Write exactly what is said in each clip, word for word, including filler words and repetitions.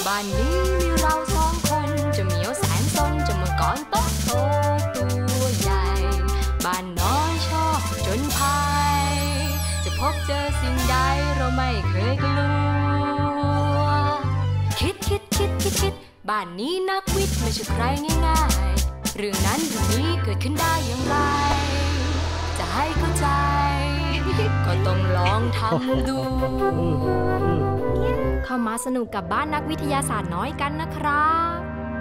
บ้านนี้มีเราสองคนจะเหมียวแสนซนจะมังกรโตโตตัวใหญ่บ้านน้อยชอบจนภัยจะพบเจอสิ่งใดเราไม่เคยกลัวคิดคิดคิดคิดคิดบ้านนี้นักวิทย์ไม่ใช่ใครง่ายๆเรื่องนั้นเรื่องนี้เกิดขึ้นได้อย่างไรจะให้เข้าใจก็ต้องลองทำดูเข้ามาสนุกกับบ้านนักวิทยาศาสตร์น้อยกันนะครับ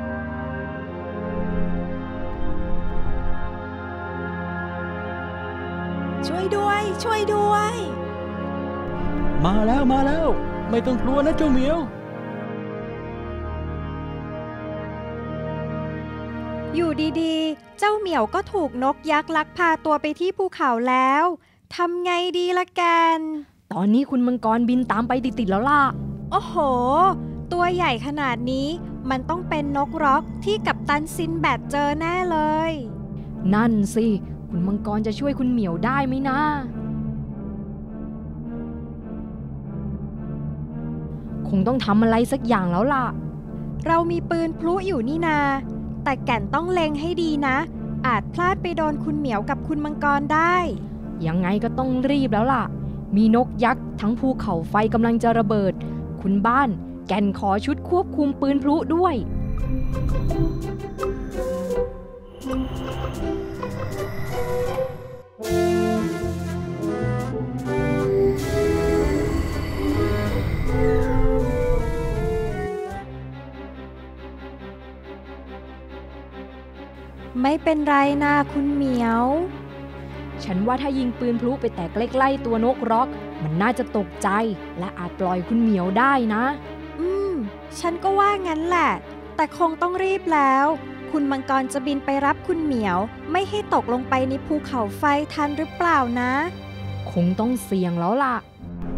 ช่วยด้วยช่วยด้วยมาแล้วมาแล้วไม่ต้องกลัวนะเจ้าเหมียวอยู่ดีๆเจ้าเหมียวก็ถูกนกยักษ์ลักพาตัวไปที่ภูเขาแล้วทำไงดีล่ะแกนตอนนี้คุณมังกรบินตามไปติดๆแล้วล่ะโอ้โหตัวใหญ่ขนาดนี้มันต้องเป็นนกร็อกที่กัปตันซินแบดเจอแน่เลยนั่นสิคุณมังกรจะช่วยคุณเหมียวได้ไหมนะคงต้องทำอะไรสักอย่างแล้วล่ะเรามีปืนพลุอยู่นี่นาแต่แก่นต้องเล็งให้ดีนะอาจพลาดไปโดนคุณเหมียวกับคุณมังกรได้ยังไงก็ต้องรีบแล้วล่ะมีนกยักษ์ทั้งภูเขาไฟกำลังจะระเบิดคุณบ้านแก่นขอชุดควบคุมปืนพลุด้วยไม่เป็นไรนะคุณเหมียวฉันว่าถ้ายิงปืนพลุไปแต่ใกล้ๆตัวนกร็อกมันน่าจะตกใจและอาจปล่อยคุณเหมียวได้นะอืมฉันก็ว่างั้นแหละแต่คงต้องรีบแล้วคุณมังกรจะบินไปรับคุณเหมียวไม่ให้ตกลงไปในภูเขาไฟทันหรือเปล่านะคงต้องเสี่ยงแล้วล่ะ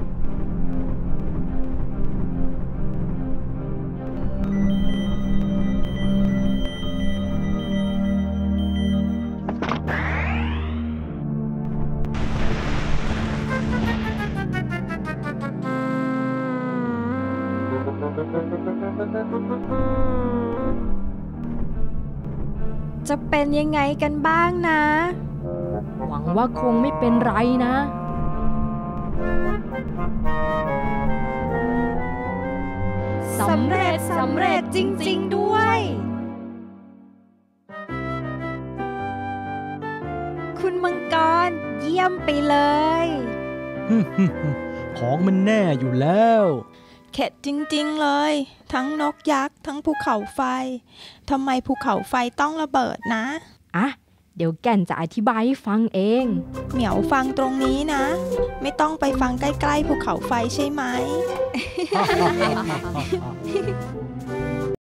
จะเป็นยังไงกันบ้างนะหวังว่าคงไม่เป็นไรนะสำเร็จสำเร็จจริงๆด้วยคุณมังกรเยี่ยมไปเลยของมันแน่อยู่แล้วเข็ดจริงๆเลยทั้งนกยักษ์ทั้งภูเขาไฟทำไมภูเขาไฟต้องระเบิดนะอ่ะเดี๋ยวแก่นจะอธิบายให้ฟังเองเหมียวฟังตรงนี้นะไม่ต้องไปฟังใกล้ๆภูเขาไฟใช่ไหม